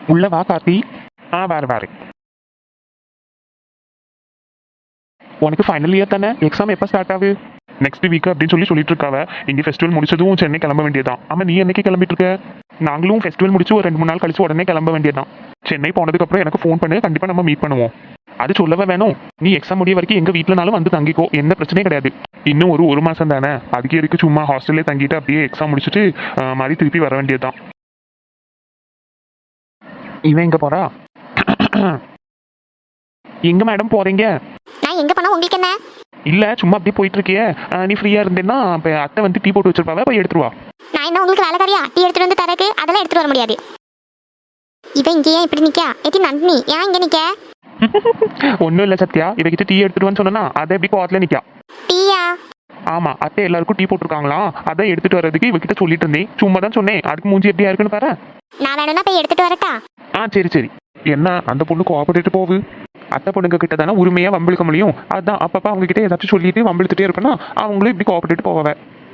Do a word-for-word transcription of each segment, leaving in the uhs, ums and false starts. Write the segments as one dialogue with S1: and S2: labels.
S1: உள்ள வா கார்த்தி. ஆ வேறு வேறு. உனக்கு ஃபைனல் இயர் தானே, எக்ஸாம் எப்போ ஸ்டார்ட் ஆகுது? நெக்ஸ்ட் வீக் அப்படின்னு சொல்லி சொல்லிட்டு இருக்காவ. இங்கே ஃபெஸ்டிவல் முடிச்சதும் சென்னை கிளம்ப வேண்டியதான். ஆமாம், நீ என்னைக்கு கிளம்பிட்டு இருக்க? நாங்களும் ஃபெஸ்டிவல் முடிச்சு ஒரு ரெண்டு மூணு நாள் கழிச்சு உடனே கிளம்ப வேண்டியதான். சென்னை போனதுக்கப்புறம் எனக்கு ஃபோன் பண்ணு, கண்டிப்பாக நம்ம மீட் பண்ணுவோம். அது சொல்லவே வேணும், நீ எக்ஸாம் முடிய வரைக்கும் எங்கள் வீட்டிலனாலும் வந்து தங்கிக்கோ, எந்த பிரச்சனையும் கிடையாது. இன்னும் ஒரு ஒரு மாதம் தானே, அதுக்கு எதுக்கு சும்மா ஹாஸ்டல்லே தங்கிட்டு அப்படியே எக்ஸாம் முடிச்சுட்டு மாதிரி திருப்பி வர வேண்டியதுதான். இவன் எங்கே போறா? எங்க மேடம் போறீங்க?
S2: நான் எங்க போனா உங்களுக்கு என்ன?
S1: இல்ல சும்மா அப்படியே போயிட்டு இருக்கியே, நீ ஃப்ரீயா இருந்தேன்னா இப்போ அத்தை வந்து டீ போட்டு வச்சிருப்பாவ, போய் எடுத்துருவா.
S2: நான் என்ன உங்களுக்கு வேலைக்காரியா டீ எடுத்துட்டு வந்து தரக்கு? அதெல்லாம் எடுத்துட்டு வர முடியாது. இவன் இங்கே ஏன் இப்படி நிக்கா? ஏத்தி நந்தினி ஏன் இங்க நிக்க?
S1: ஒன்றும் இல்லை சத்யா, இவகிட்ட டீ எடுத்துட்டு சொன்னா அதை எப்படி கோவத்தில் நிற்கா.
S2: டீயா?
S1: ஆமா, அத்தை எல்லாருக்கும் டீ போட்டிருக்காங்களாம், அதை எடுத்துட்டு வர்றதுக்கு இவகிட்ட சொல்லிட்டு இருந்தேன். சும்மா தான் சொன்னேன், அதுக்கு மூஞ்சி எப்படியா இருக்குன்னு பாரு.
S2: நான் வேணும்னா போய் எடுத்துட்டு வரட்டா?
S1: ஆ சரி சரி. என்ன அந்த பொண்ணு கோஆபரேட்டு போகுது? அத்தை பொண்ணுங்க கிட்ட தானே உரிமையாக வம்பிழுக்க முடியும். அதுதான் அப்பப்போ அவங்க கிட்ட ஏதாச்சும் சொல்லிட்டு வம்பிழுத்துட்டே இருப்பேன்னா அவங்களும் இப்படி கோஆபரேட்டு போவாங்க.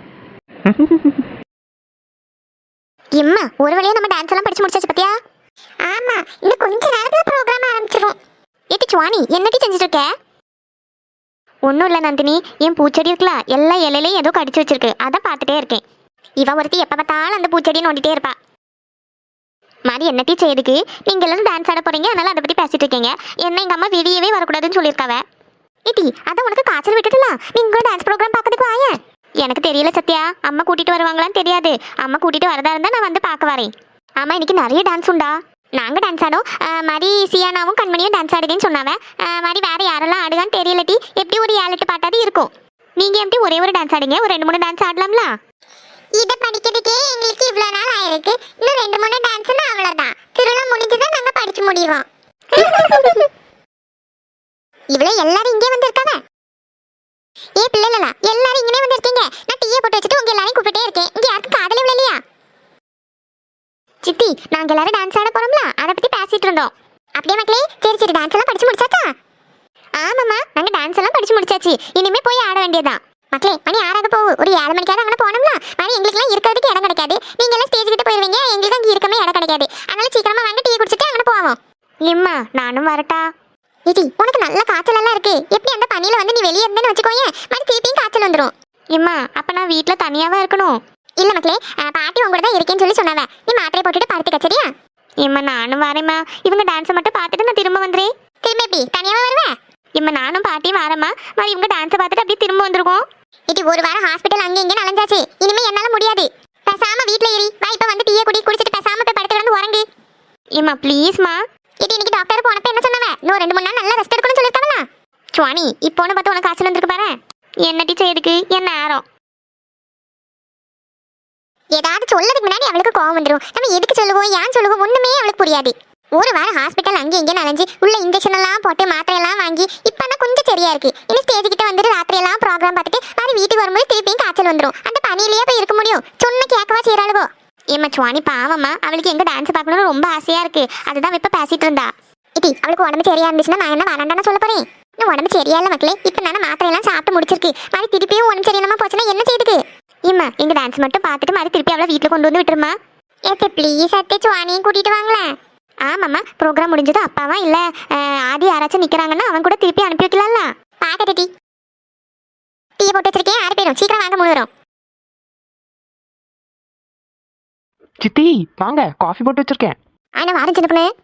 S2: இம்மா ஒரு வழியா நம்ம டான்ஸ் எல்லாம் படிச்சு முடிச்சாச்சு பத்தியா? ஆமா, இன்னும் கொஞ்ச நேரத்துல ப்ரோகிராம் ஆரம்பிச்சிரும். ஏத்தி சுவானி என்னடி செஞ்சுட்டு இருக்க? ஒன்றும் இல்லை நந்தினி, என் பூச்செடி இருக்குல்ல, எல்லா இலையிலையும் ஏதோ கடிச்சு வச்சிருக்கு, அதை பார்த்துட்டே இருக்கேன். இவ ஒருத்தி எப்போ பார்த்தாலும் அந்த பூச்செடியை நோண்டிட்டே இருப்பா. மாதிரி என்னட்டி செய்யுதுக்கு நீங்க எல்லாரும் டான்ஸ் ஆட போறீங்க, அதனால அதை பத்தி பேசிட்டு இருக்கீங்க. என்ன எங்க அம்மா வெளியவே வரக்கூடாதுன்னு சொல்லியிருக்காவ. ஏட்டி அதான் உனக்கு காய்ச்சல் விட்டுட்டுலாம் நீங்க டான்ஸ் ப்ரோக்ராம் பார்க்கறதுக்கு வாங்க. எனக்கு தெரியல சத்யா, அம்மா கூட்டிட்டு வருவாங்களான்னு தெரியாது. அம்மா கூட்டிட்டு வரதா இருந்தா நான் வந்து பார்க்க வரேன். ஆமா, இன்னைக்கு நிறைய டான்ஸ் உண்டா? நாங்க டான்ஸ் ஆடும் மாதிரி சியானாவும் கண்மணியும் டான்ஸ் ஆடுதுன்னு சொன்னாவ. மாதிரி வேற யாரெல்லாம் ஆடுதான்னு தெரியலட்டி. எப்படி ஒரு ஏழு எட்டு பாட்டாவது இருக்கும். நீங்க எப்படி ஒரே ஒரு டான்ஸ் ஆடுங்க, ஒரு ரெண்டு மூணு டான்ஸ் ஆடலாம்ல? இதை படிக்கிறதுக்கே எங்களுக்கு இவ்வளவு நாள் ஆயிருக்கு. இன்னும் ரெண்டு மூணு டான்ஸ்னா அவ்வளவுதான். திருவிழா முடிஞ்சுதான் நாங்க படிச்சு முடிவோம். இவ்வளவு எல்லாரும் இங்கே வந்திருக்காங்க. ஏ பிள்ளைகளா, எல்லாரும் இங்கே வந்திருக்கீங்க. நான் டீயை போட்டு வச்சுட்டு உங்க எல்லாரையும் கூப்பிட்டே இருக்கேன். இங்க யாருக்கு காதலே விழலையா? சித்தி, நாங்க எல்லாரும் டான்ஸ் ஆட போறோம்ல, அதை பத்தி பேசிட்டு இருந்தோம். அப்படியே மக்களே, சரி சரி, டான்ஸ் எல்லாம் படிச்சு முடிச்சாச்சா? ஆமாம்மா, நாங்க டான்ஸ் எல்லாம் படிச்சு முடிச்சாச்சு. இனிமே போய் ஆட வேண்டியதுதான். மக்களே, மணி ஆறாக போகும். ஒரு ஏழு மணிக்காவது அங்கே போனோம்னா மணி எங்களுக்குலாம் இருக்கிறதுக்கு இடம் கிடைக்காது. நீங்க எல்லாம் ஸ்டேஜ் கிட்ட போயிருவீங்க, எங்களுக்கு அங்கே இருக்கமே இடம் கிடைக்காது. அதனால சீக்கிரமா வாங்க, டீ குடிச்சிட்டு அங்கே போவோம். இம்மா நானும் வரட்டா? இது உனக்கு நல்ல காய்ச்சல் எல்லாம் இருக்கு. எப்படி அந்த பனியில வந்து நீ வெளியே இருந்தேன்னு வச்சுக்கோயேன், மறுபடியும் திருப்பியும் காய்ச்சல் வந்துடும். இம்மா அப்ப நான் வீட்டுல தனியாவா இருக்கணும்? இல்ல மக்களே, பாட்டி உங்க கூட தான் இருக்கேன்னு சொல்லி சொன்னாவ. நீ மாத்திரை போட்டுட்டு படுத்துக்க, சரியா? இம்மா நானும் வரேம்மா. இவங்க டான்ஸை மட்டும் பார்த்துட்டு நான் திரும்ப வந்துடுறேன். திரும்ப எப்படி தனியாவா வருவேன்? இம்மா நானும் பாட்டியும் வரேம்மா. மாதிரி இவங்க டான்ஸை பார்த்துட்டு அப்படியே திரும்ப வந்துருக்கோம். இது ஒரு வாரம் ஹாஸ்பிட்டல் அங்கே இங்கே நலஞ்சாச்சு. இனிமே என்னால முடியாது. பேசாம வீட்ல ஏறி வா, இப்ப வந்து டீயை குடி குடிச்சிட்டு பேசாம போய் படுத்து கிடந்து உறங்கு. ஏமா ப்ளீஸ்மா. இது இன்னைக்கு டாக்டர் போனப்ப என்ன சொன்னவ? இன்னும் ரெண்டு மூணு நாள் நல்லா ரெஸ்ட் எடுக்கணும்னு சொல்லிருக்காங்களா? சுவானி இப்போன்னு பார்த்து உனக்கு காய்ச்சல் வந்திருக்கு பாரு. என்ன டீச்சர் எதுக்கு என்ன நேரம்? ஏதாவது சொல்லதுக்கு முன்னாடி அவளுக்கு கோவம் வந்துடும். நம்ம எதுக்கு சொல்லுவோம், ஏன் சொல்லுவோம், ஒண்ணுமே அவளுக்கு புரியாது. ஒரு வாரம் ஹாஸ்பிட்டல் அங்கே இங்கே நனைஞ்சு உள்ள இன்ஜெக்ஷன் எல்லாம் போட்டு மாத்திரை எல்லாம் வாங்கி இப்பதான் கொஞ்சம் சரியா இருக்கு. இன்னும் ஸ்டேஜ் கிட்ட வந்துட்டு ராத்திரி எல்லாம் ப்ரோக்ராம் பார்த்துட்டு மாதிரி வீட்டுக்கு வரும்போது திருப்பியும் காய்ச்சல் வந்துடும். அந்த பனியிலேயே போய் இருக்க முடியும்? சொன்ன கேட்கவா செய்யறாளுவோ? ஏமா சுவானி பாவம்மா, அவளுக்கு எங்க டான்ஸ் பார்க்கணும்னு ரொம்ப ஆசையா இருக்கு. அதுதான் இப்ப பேசிட்டு இருந்தா. இட்டி அவளுக்கு உடம்பு சரியா இருந்துச்சுன்னா நான் என்ன வேணாண்டான சொல்ல போறேன்? இன்னும் உடம்பு சரியா இல்ல மக்களே. இப்ப நானே மாத்திரை எல்லாம் சாப்பிட்டு முடிச்சிருக்கு. மாதிரி திருப்பியும் உடம்பு சரியில்லாம போச்சுன்னா என்ன செய்யுது? ஏமா எங்க டான்ஸ் மட்டும் பார்த்துட்டு மாதிரி திருப்பி அவளை வீட்டுல கொண்டு வந்து விட்டுருமா? ஏத்த ப்ளீஸ் அத்தை, சுவானியும் கூட்டிட்டு வாங்களேன். ஆமாம்மா, ப்ரோக்ராம் முடிஞ்சது அப்பாவா இல்ல ஆதி யாராச்சும் நிக்கிறாங்கன்னா அவன் கூட திருப்பி அனுப்பி வைக்கலாம்ல. பாக்கட்டு டீ டீயை போட்டு வச்சிருக்கேன், ஆறு பேரும் சீக்கிரம் வாங்க, மூணு வரும்.
S1: சித்தி வாங்க, காஃபி போட்டு வச்சிருக்கேன்.
S2: ஆனா வாரம் சின்ன பொண்ணு.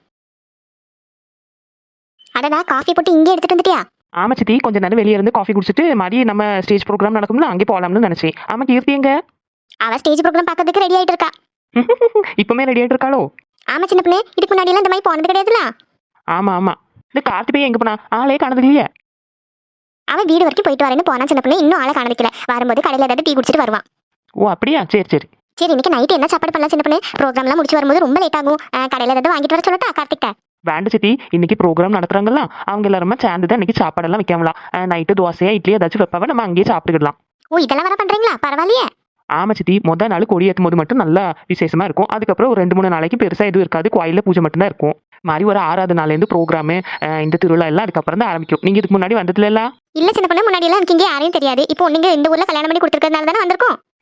S2: அடடா, காஃபி போட்டு இங்கே எடுத்துட்டு வந்துட்டியா?
S1: ஆமா சித்தி, கொஞ்ச நேரம் வெளியே இருந்து காஃபி குடிச்சிட்டு மாதிரி நம்ம ஸ்டேஜ் ப்ரோக்ராம் நடக்கும்ல அங்கே போகலாம்னு நினைச்சேன். ஆமா கீர்த்தி எங்க?
S2: அவ ஸ்டேஜ் ப்ரோக்ராம் பார்க்கறதுக்கு ரெடி ஆயிட்டு இருக்கா.
S1: இப்பவுமே ரெடி ஆயிட்டு இருக்காளோ?
S2: ஆமா சின்ன பொண்ணு, இதுக்கு முன்னாடி எல்லாம் இந்த மாதிரி போனது கிடையாதுல.
S1: ஆமா ஆமா. இந்த கார்த்தி பையன் எங்க போனா? ஆளே காணது இல்லையே.
S2: அவன் வீடு வரைக்கும் போயிட்டு வரேன்னு போனா சின்ன பொண்ணு, இன்னும் ஆளை காணதிக்கல. வரும்போது கடையில ஏதாவது டீ குடிச்சிட்டு வருவான்.
S1: ஓ அப்படியா, சரி சரி.
S2: சரி, இன்னைக்கு நைட்டு என்ன சாப்பாடு பண்ணலாம் சின்ன பொண்ணு? ப்ரோக்ராம் எல்லாம் முடிச்சு வரும்போது ரொம்ப லேட் ஆகும். கடையில ஏதாவது வாங்கிட்டு வர சொல்லட்டா கார்த்திட்ட?
S1: வேண்டு சித்தி, இன்னைக்கு ப்ரோக்ராம் நடத்துறாங்கல்ல, அவங்க எல்லாருமே சேர்ந்து தான் இன்னைக்கு சாப்பாடெல்லாம் வைக்காமலாம். நைட்டு தோசையா இட்லி ஏதாச்சும் வைப்பாவ, நம்ம அங்கேயே சாப்பிட்டுக்கலாம்.
S2: ஓ இதெல்லாம் வர பண்றீங்களா? பரவாயில்லையே.
S1: ஆமா சித்தி, மொதல் நாள் கொடி ஏற்றும் போது மட்டும் நல்லா விசேஷமா இருக்கும். அதுக்கப்புறம் ஒரு ரெண்டு மூணு நாளைக்கு பெருசா எதுவும் இருக்காது, கோயிலில் பூஜை மட்டும்தான் இருக்கும். மாதிரி ஒரு ஆறாவது நாள்லேருந்து ப்ரோக்ராமு இந்த திருவிழா எல்லாம் அதுக்கப்புறம் தான் ஆரம்பிக்கும். நீங்க இதுக்கு முன்னாடி வந்ததுல?
S2: இல்ல சின்ன பொண்ணு, முன்னாடி எல்லாம் எனக்கு இங்கே யாரையும் தெரியாது. இப்போ நீங்க இந்த ஊர்ல கல்யாணம் பண்ணி கொடுத்துருக்கிறதுனால தானே வந்திருக்கோம்.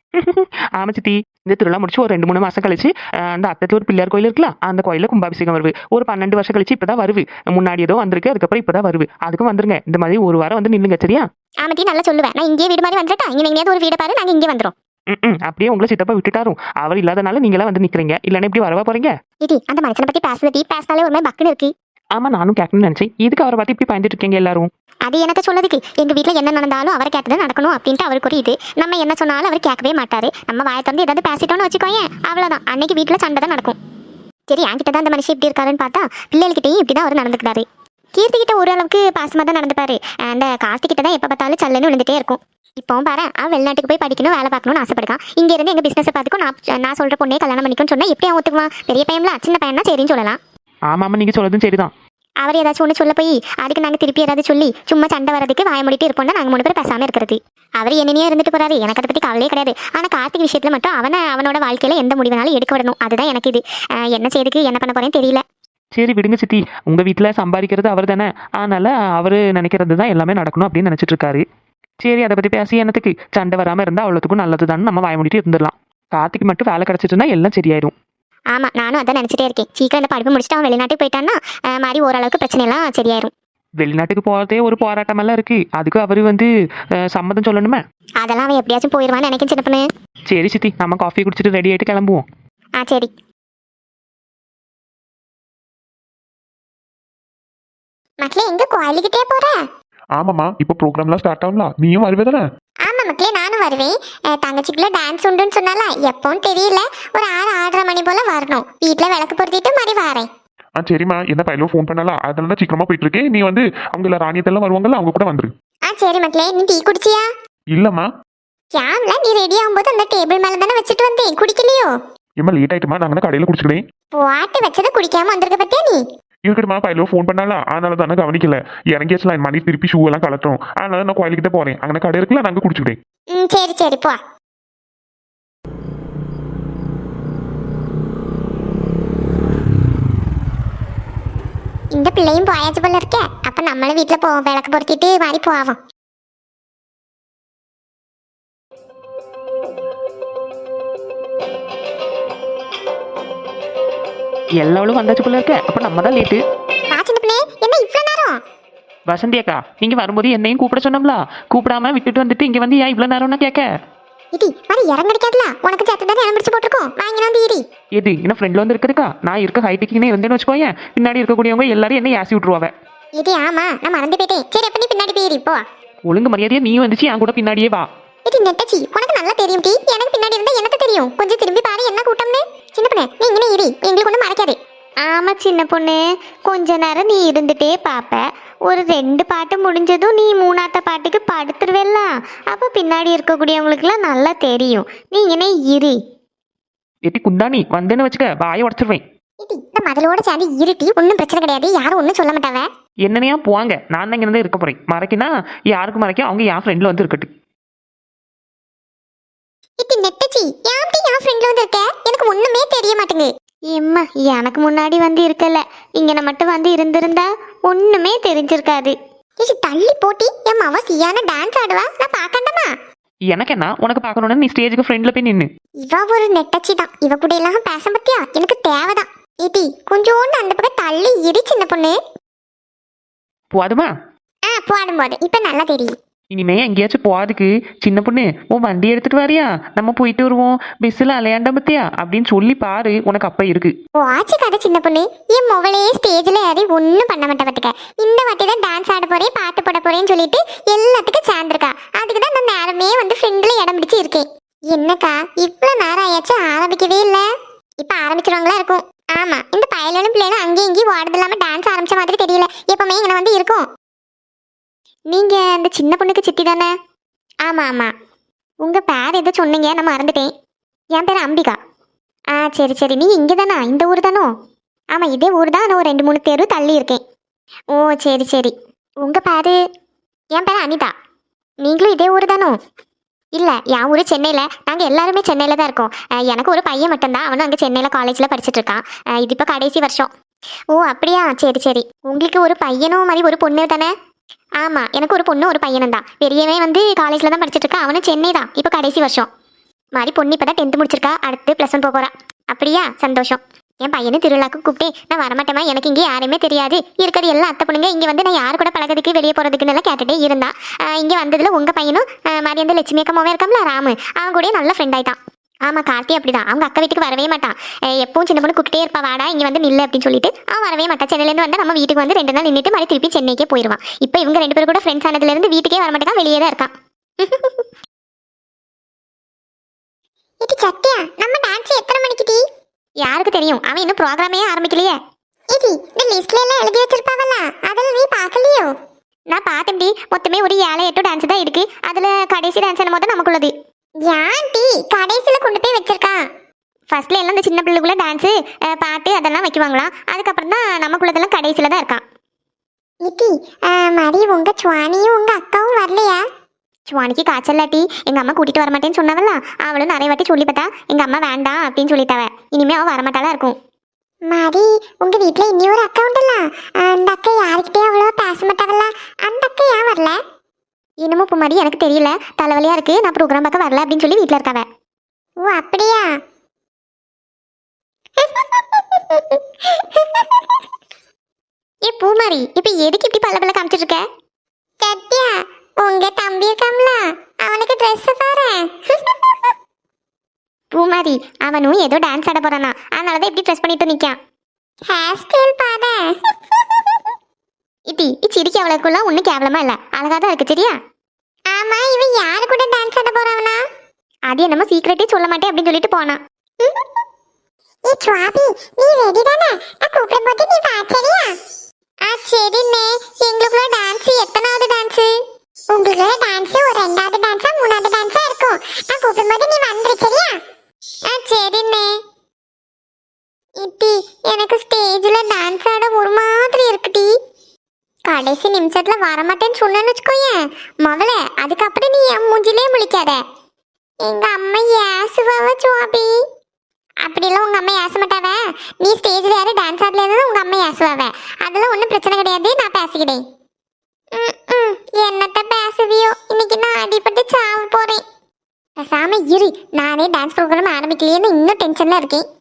S3: ஆமா சித்தி, இந்த திருவிழா முடிச்சு ஒரு ரெண்டு மூணு மாசம் கழிச்சு அஹ், அந்த அத்தத்து ஒரு பிள்ளையார் கோயில் இருக்குல்ல, அந்த கோயில கும்பாபிஷேகம் வருது. ஒரு பன்னெண்டு வருஷம் கழிச்சு இப்பதான் வருது. முன்னாடி ஏதோ வந்திருக்கு, அதுக்கப்புறம் இப்பதான் வருது. அதுக்கும் வந்துருங்க, இந்த மாதிரி ஒரு வாரம் வந்து நில்லுங்க சரியா?
S2: ஆமாட்டி நல்லா சொல்லுவேன். நான் இங்கே வீடு மாதிரி வந்துட்டா இங்கே எங்கேயாவது ஒரு வீடு பாரு, நாங்கள் இங்கே வந்துடும்.
S3: ம் அப்படியே உங்களை சித்தப்பா விட்டுட்டாரும். அவர் இல்லாதனால நீங்களா வந்து நிக்கிறீங்க, இல்லைன்னா இப்படி வரவா போறீங்க?
S2: இடி அந்த மனுஷனை பத்தி பேசுறதி பேசினாலே ஒரு மாதிரி பக்குன்னு இருக்கு.
S3: ஆமா, நானும் கேட்கணும்னு நினைச்சேன். இதுக்கு அவரை பார்த்து இப்படி பயந்துட்டு இருக்கீங்க எல்லாரும்?
S2: அது எனக்கு சொல்லதுக்கு எங்க வீட்ல என்ன நடந்தாலும் அவரை கேட்டது நடக்கணும் அப்படின்ட்டு அவருக்கு ஒரு இது. நம்ம என்ன சொன்னாலும் அவர் கேட்கவே மாட்டாரு. நம்ம வாயை திறந்து ஏதாவது பேசிட்டோம்னு வச்சுக்கோயேன், அவ்வளவுதான், அன்னைக்கு வீட்ல சண்டை தான் நடக்கும். சரி, என்கிட்ட தான் அந்த மனுஷன் இப்படி இருக்காருன்னு பார்த்தா பிள்ளைகிட்டையும் இப்படிதான் அவர் நடந்துக்கிறாரு. கீர்த்தி கிட்ட ஓரளவுக்கு பாசமா தான் நடந்துப்பாரு. அந்த கார்த்திகிட்ட தான் எப்ப பார்த்தாலும் சல்லுன்னு விழுந்துட்டே இருக்கும். இப்போவும் பாரு, அவன் வெளிநாட்டுக்கு போய் படிக்கணும், வேலை பார்க்கணும்னு ஆசைப்படுறான். இங்க இருந்து எங்க பிசினஸ் பார்த்துக்கும் நான் நான் சொல்ற பொண்ணே கல்யாணம் பண்ணிக்கணும்னு சொன்னா எப்படி அவன் ஒத்துக்குவான்? பெரிய பையன்ல சின்ன பையனா சரின்னு சொல்லலாம்.
S3: ஆமா ஆமா, நீங்க சொல்றதும் சரிதான்.
S2: அவர் ஏதாச்சும் ஒன்று சொல்ல போய் அதுக்கு நாங்கள் திருப்பி ஏதாவது சொல்லி சும்மா சண்டை வரதுக்கு வாய மூடிட்டு இருப்போம்னா நாங்கள் மூணு பேர் பேசாமல் இருக்கிறது. அவர் என்னையே இருந்துட்டு போறாரு, எனக்கு அதை பற்றி கவலையே கிடையாது. ஆனால் கார்த்திக் விஷயத்தில் மட்டும் அவனை அவனோட வாழ்க்கையில எந்த முடிவுனாலும் எடுக்க விடணும். அதுதான் எனக்கு இது. அஹ் என்ன செய்துக்கு என்ன பண்ண போறேன்னு தெரியல.
S3: சரி விடுங்க சித்தி, உங்க வீட்டுல சம்பாதிக்கிறது அவர் தானே, அதனால அவரு நினைக்கிறது தான் எல்லாமே நடக்கணும் அப்படின்னு நினைச்சிட்டு இருக்காரு. சரி, அதை பத்தி பேசி என்னத்துக்கு? சண்டை வராம இருந்தா அவ்வளோத்துக்கும் நல்லதுதான், நம்ம வாய மூடிட்டு இருந்துடலாம். கார்த்திக் மட்டும் வேலை கிடைச்சிட்டுனா எல்லாம் சரியாயிடும்.
S2: ஆமா, நானும் அதான் நினைச்சிட்டே இருக்கேன். சீக்கிரம் இந்த படிப்பு முடிச்சுட்டு அவன் வெளிநாட்டுக்கு போயிட்டான்னா அஹ் மாதிரி ஓரளவுக்கு பிரச்சனை எல்லாம் சரியாயிரும்.
S3: வெளிநாட்டுக்கு போறதே ஒரு போராட்டம் எல்லாம் இருக்கு, அதுக்கு அவரு வந்து அஹ், சம்மதம் சொல்லணுமே.
S2: அதெல்லாம் அவன் எப்படியாச்சும் போயிடுவான்னு நினைக்கிறேன் சின்ன பொண்ணு.
S3: சரி சித்தி, நம்ம காஃபி குடிச்சிட்டு ரெடி ஆயிட்டு கிளம்புவோம்.
S2: ஆ சரி. மக்களே, எங்க கோயிலுக்கிட்டே போற?
S1: ஆமாம்மா, இப்போ ப்ரோக்ராம்லாம் ஸ்டார்ட் ஆகலாம், நீயும் வருவே தானே?
S2: ஆமா மக்களே, நானும் வருவேன். அஹ் தங்கச்சிக்குள்ள டான்ஸ் உண்டுன்னு சொன்னால எப்போன்னு தெரியல. ஒரு ஆறு ஆறரை மணி போல வரணும். வீட்டுல விளக்கு பொருத்திட்டு மாதிரி வரேன்.
S1: ஆ சரிம்மா, என்ன பையலும் ஃபோன் பண்ணலாம், அதனால தான் சீக்கிரமா போயிட்டு இருக்கேன். நீ வந்து அவங்க எல்லாம் ராணியத்தெல்லாம் வருவாங்கல்ல, அவங்க கூட வந்துரு.
S2: ஆ சரி மக்களே, நீ டீ குடிச்சியா?
S1: இல்லம்மா.
S2: கேம்ல நீ ரெடி ஆகும்போது அந்த டேபிள் மேல தானே வச்சுட்டு வந்தேன், குடிக்கலையோ?
S1: ஏம்மா லேட் ஆயிட்டுமா, நாங்கள் கடையில் குடிச்சுக்கிறேன்.
S2: பாட்டு வச்சதை குடிக்காம வந்திருக்க பத்தியா நீ?
S1: இருக்கட்டுமா, பையலோ ஃபோன் பண்ணலாம், அதனால தானே கவனிக்கல. இறங்கியாச்சுலாம் என் மணி திருப்பி ஷூ எல்லாம் கலட்டுறோம், அதனால நான் கோயிலுக்கிட்ட போறேன். அங்கே கடை இருக்குல்ல, நாங்கள் குடிச்சுக்கிறேன்.
S2: ம் சரி சரி போ. இந்த பிள்ளையும் போயாச்சு போல இருக்க. அப்ப நம்மளும் வீட்டுல போவோம், விளக்கு பொருத்திட்டு மாதிரி போவோம்.
S3: எல்லாவளும் வந்தாச்சு போல இருக்க, அப்ப நம்ம தான் லேட்டு.
S2: வா சின்ன பிள்ளை, என்ன இவ்வளவு நேரம்?
S3: வசந்தி அக்கா, நீங்க வரும்போது என்னையும் கூப்பிட சொன்னோம்ல, கூப்பிடாம விட்டுட்டு வந்துட்டு இங்க வந்து ஏன் இவ்வளவு நேரம்னா கேட்க?
S2: இடி மாதிரி இறங்கடிக்காதுல, உனக்கு சேர்த்து தானே இடம் பிடிச்சு போட்டிருக்கோம், வாங்கி வந்து ஈரி.
S3: எது என்ன ஃப்ரெண்ட்ல வந்து இருக்குதுக்கா? நான் இருக்க ஹைட்டுக்குன்னே இருந்தேன்னு வச்சுக்கோயேன், பின்னாடி இருக்கக்கூடியவங்க எல்லாரும் என்ன ஏசி விட்டுருவாங்க.
S2: இது ஆமா, நான் மறந்து போயிட்டேன். சரி, அப்ப நீ பின்னாடி போயிரி போ.
S3: ஒழுங்கு மரியாதையா நீ வந்துச்சு என் கூட பின்னாடியே வா.
S2: இது நெட்டச்சி, உனக்கு நல்லா தெரியும் டி. எனக்கு பின்னாடி இருந்தா எனக்கு தெரியும். கொஞ்சம் திரும்பி பாரு என்ன கூட்டம்னு. சின்ன பொண்ணு, நீ இங்கே இரி, எங்களுக்கு ஒன்றும் மறைக்காது. ஆமா சின்ன பொண்ணு, கொஞ்ச நேரம் நீ இருந்துட்டே பாப்ப. ஒரு ரெண்டு பாட்டு முடிஞ்சதும் நீ மூணாத்த பாட்டுக்கு படுத்துருவேல்ல, அப்ப பின்னாடி இருக்கக்கூடியவங்களுக்குலாம் நல்லா தெரியும். நீ இங்கே இரி.
S3: எட்டி குந்தாணி வந்தேன்னு வச்சுக்க, வாயை உடச்சிருவேன்.
S2: இது இந்த மதலோட சேர்ந்து இருட்டி, ஒன்றும் பிரச்சனை கிடையாது, யாரும் ஒன்றும் சொல்ல மாட்டாவ.
S3: என்னனையா போவாங்க, நான் தான் இங்க இருக்க போறேன். மறைக்கினா யாருக்கு மறைக்க, அவங்க என் ஃப்ரெண்ட்ல வந்து இருக்கட்டும்.
S2: இது நெட்டச்சி, யார்கிட்ட என் ஃப்ரெண்ட்ல வந்து இருக்க? எனக்கு ஒண்ணுமே தெரிய மாட்டேங்குது. எம்மா, எனக்கு முன்னாடி வந்து இருக்கல, இங்க மட்டும் வந்து இருந்திருந்தா ஒண்ணுமே தெரிஞ்சிருக்காது. இது தள்ளி போட்டி என் மவ சியான டான்ஸ் ஆடுவா, நான் பாக்கண்டமா?
S3: எனக்கு என்ன, உனக்கு பார்க்கணும்னு நீ ஸ்டேஜுக்கு ஃப்ரெண்ட்ல போய் நின்னு.
S2: இவ ஒரு நெட்டச்சி தான், இவ கூட எல்லாம் பேச பத்தியா எனக்கு தேவைதான். ஏடி கொஞ்சோண்டு அந்த பக்கம் தள்ளி இடி சின்ன பொண்ணு.
S3: போதுமா?
S2: ஆ போடும் போது இப்ப நல்லா தெரியும்.
S3: இனிமே எங்கேயாச்சும் போறதுக்கு சின்ன பொண்ணு உன் வண்டி எடுத்துட்டு வரியா, நம்ம போயிட்டு வருவோம், பஸ்ஸில் அலையாண்ட பத்தியா அப்படின்னு சொல்லி பாரு, உனக்கு அப்ப இருக்கு.
S2: ஓ ஆச்சு கதை சின்ன பொண்ணு. என் மொபைலே ஸ்டேஜில் ஏறி ஒன்றும் பண்ண மாட்டேன் பார்த்துக்க. இந்த வாட்டி தான் டான்ஸ் ஆட போறேன், பாட்டு போட போறேன்னு சொல்லிட்டு எல்லாத்துக்கும் சேர்ந்துருக்கா. அதுக்கு தான் நான் நேரமே வந்து ஃப்ரெண்டில் இடம் பிடிச்சி இருக்கேன். என்னக்கா இவ்வளோ நேரம் ஆயாச்சு, ஆரம்பிக்கவே இல்லை. இப்போ ஆரம்பிச்சிருவாங்களா இருக்கும். ஆமா, இந்த பயலும் பிள்ளைகளும் அங்கேயும் இங்கேயும் ஓடுறது இல்லாமல் டான்ஸ் ஆரம்பிச்ச மாதிரி தெரியல. எப்பவுமே இங்கே வந்து இருக்கும். நீங்க அந்த சின்ன பொண்ணுக்கு சித்தி தானே? ஆமா ஆமா. உங்க பேர் எதோ சொன்னீங்க, நான் மறந்துட்டேன். என் பேர் அம்பிகா. ஆ சரி சரி, நீ இங்கே தானா, இந்த ஊர் தானோ? ஆமா, இதே ஊர் தான், நான் ஒரு ரெண்டு மூணு தெரு தள்ளி இருக்கேன். ஓ சரி சரி. உங்க பேரு? என் பேர் அனிதா. நீங்களும் இதே ஊர் தானோ? இல்லை, என் ஊர் சென்னையில். நாங்கள் எல்லாருமே சென்னையில் தான் இருக்கோம். எனக்கு ஒரு பையன் மட்டும்தான், அவனும் அங்கே சென்னையில் காலேஜில் படிச்சுட்டு இருக்கான். இது இப்போ கடைசி வருஷம். ஓ அப்படியா, சரி சரி. உங்களுக்கு ஒரு பையனும் மாதிரி ஒரு பொண்ணு தானே? ஆமாம், எனக்கு ஒரு பொண்ணு ஒரு பையனும் தான். பெரியவன் வந்து காலேஜில் தான் படிச்சுட்டு இருக்கான், அவனும் சென்னை தான், இப்போ கடைசி வருஷம். மாதிரி பொண்ணு இப்போ தான் டென்த்து முடிச்சிருக்கா, அடுத்து ப்ளஸ் ஒன் போக போறா. அப்படியா, சந்தோஷம். என் பையனை திருவிழாக்கு கூப்பிட்டே நான் வரமாட்டேமா, எனக்கு இங்கே யாருமே தெரியாது, இருக்கிறது எல்லாம் அத்தை பொண்ணுங்க, இங்கே வந்து நான் யாரு கூட பழகிறதுக்கு வெளியே போகிறதுக்குன்னு எல்லாம் கேட்டுட்டே இருந்தா. இங்கே வந்ததில் உங்கள் பையனும் மாதிரி அந்த லட்சுமி அக்கமாவே இருக்காமல ராமு, அவன் கூட நல்ல ஃப்ரெண்ட் ஆயிட்டான். ஆமாம், கார்த்தி அப்படிதான். அவங்க அக்கா வீட்டுக்கு வரவே மாட்டான். எப்பவும் சின்ன பொண்ணு கூப்பிட்டே இருப்பா, வாடா இங்கே வந்து நில்லு அப்படின்னு சொல்லிட்டு அவன் வரவே மாட்டான். சென்னையிலேருந்து வந்து நம்ம வீட்டுக்கு வந்து ரெண்டு நாள் நின்றுட்டு மாதிரி திருப்பி சென்னைக்கே போயிடுவான். இப்போ இவங்க ரெண்டு பேரும் கூட ஃப்ரெண்ட்ஸ் ஆனதுலேருந்து வீட்டுக்கே வர மாட்டேங்க, வெளியே தான் இருக்கான். இது சத்யா, நம்ம டான்ஸ் எத்தனை மணிக்கு டி? யாருக்கு தெரியும், அவன் இன்னும் ப்ரோக்ராமே ஆரம்பிக்கலையே. இது இந்த லிஸ்ட்ல எல்லாம் எழுதி வச்சிருப்பாவல்ல, அதெல்லாம் நீ பார்க்கலையோ? நான் பார்த்தேன் டி, மொத்தமே ஒரு ஏழை எட்டு டான்ஸ் தான் இருக்கு. அதுல கடைசி டான்ஸ் என்ன மொத்தம் நமக்குள்ளது. ஏன் டி கடைசியில கொண்டு போய் வச்சிருக்கான்? ஃபர்ஸ்ட்ல எல்லாம் இந்த சின்ன பிள்ளைக்குள்ள டான்ஸ் பாட்டு அதெல்லாம் வைக்குவாங்களாம், அதுக்கப்புறம் தான் நமக்குள்ளதெல்லாம் கடைசியில தான் இருக்கான். இட்டி மாதிரி உங்க சுவானியும் உங்க அக்காவும் வரலையா? சுவானிக்கு காய்ச்சல்லாட்டி எங்கள் அம்மா கூட்டிகிட்டு வர மாட்டேன்னு சொன்னாவல்ல, அவளும் நிறைய வாட்டி சொல்லி பார்த்தா எங்கள் அம்மா வேண்டாம் அப்படின்னு சொல்லிட்டாவ. இனிமேல் அவள் வரமாட்டாலாம் இருக்கும். மாதிரி உங்கள் வீட்டில் இன்னொரு அக்கா உண்டல்ல, அந்த அக்கா யாருக்கிட்டே அவ்வளோ பேச மாட்டாவல்ல, அந்த அக்கா ஏன் வரல? இன்னமும் இப்போ மாதிரி எனக்கு தெரியல, தலைவலியாக இருக்கு, நான் ப்ரோக்ராம் பார்க்க வரல அப்படின்னு சொல்லி வீட்டில் இருக்காவ. ஓ அப்படியா? ஏ பூமாரி, இப்போ எதுக்கு இப்படி பல்ல பல்ல காமிச்சிட்டு இருக்க? சத்யா, உங்க தம்பி இருக்காம்ல, அவனுக்கு ட்ரெஸ் பாரு. பூமாரி, அவனும் ஏதோ டான்ஸ் ஆட போறானா, அதனாலதான் இப்படி ட்ரெஸ் பண்ணிட்டு நிக்கான். ஹேர் ஸ்டைல் பாரு. இட்டி சிரிக்க அவளுக்குலாம் ஒன்றும் கேவலமா இல்ல, அழகா தான் இருக்கு சரியா? ஆமா, இவன் யாரு கூட டான்ஸ் ஆட போறாவனா? அது என்னமோ சீக்கிரட்டே சொல்ல மாட்டேன் அப்படின்னு சொல்லிட்டு போனான். ஏ சுவாபி, நீ ரெடி தானே? நான் கூப்பிடும் போது நீ வா சரியா? ஆ சரிண்ணே. எங்களுக்குள்ள டான்ஸ் எத்தனாவது டான்ஸ்? உங்களுக்குள்ள டான்ஸ் ஒரு ரெண்டாவது டான்ஸா மூணாவது டான்ஸா இருக்கும். நான் கூப்பிடும்போது நீ வந்துரு சரியா? ஆ சரிண்ணே. இட்டி எனக்கு ஸ்டேஜ்ல டான்ஸ் ஆட ஒரு மாதிரி இருக்குடி. கடைசி நிமிஷத்துல வரமாட்டேன்னு சொன்னேன்னு வச்சுக்கோயேன் முதல்ல, அதுக்கப்புறம் நீ என் மூஞ்சிலே முழிக்காத. எங்க அம்மா ஏசுவாவ சுவாபி. அப்படிலாம் உங்க அம்மா ஏச மாட்டாவ. நீ ஸ்டேஜ்ல யாரும் டான்ஸ் ஆடல இருந்தா உங்க அம்மா ஏசுவாவ. அதெல்லாம் ஒன்றும் பிரச்சனை கிடையாது, நான் பேசிக்கிட்டேன். என்னத்த பேசுவியோ, இன்னைக்கு நான் அடிபட்டு சாவ போறேன். பேசாம இரு, நானே டான்ஸ் ப்ரோக்ராம் ஆரம்பிக்கலையேன்னு இன்னும் டென்ஷன்ல இருக்கேன்.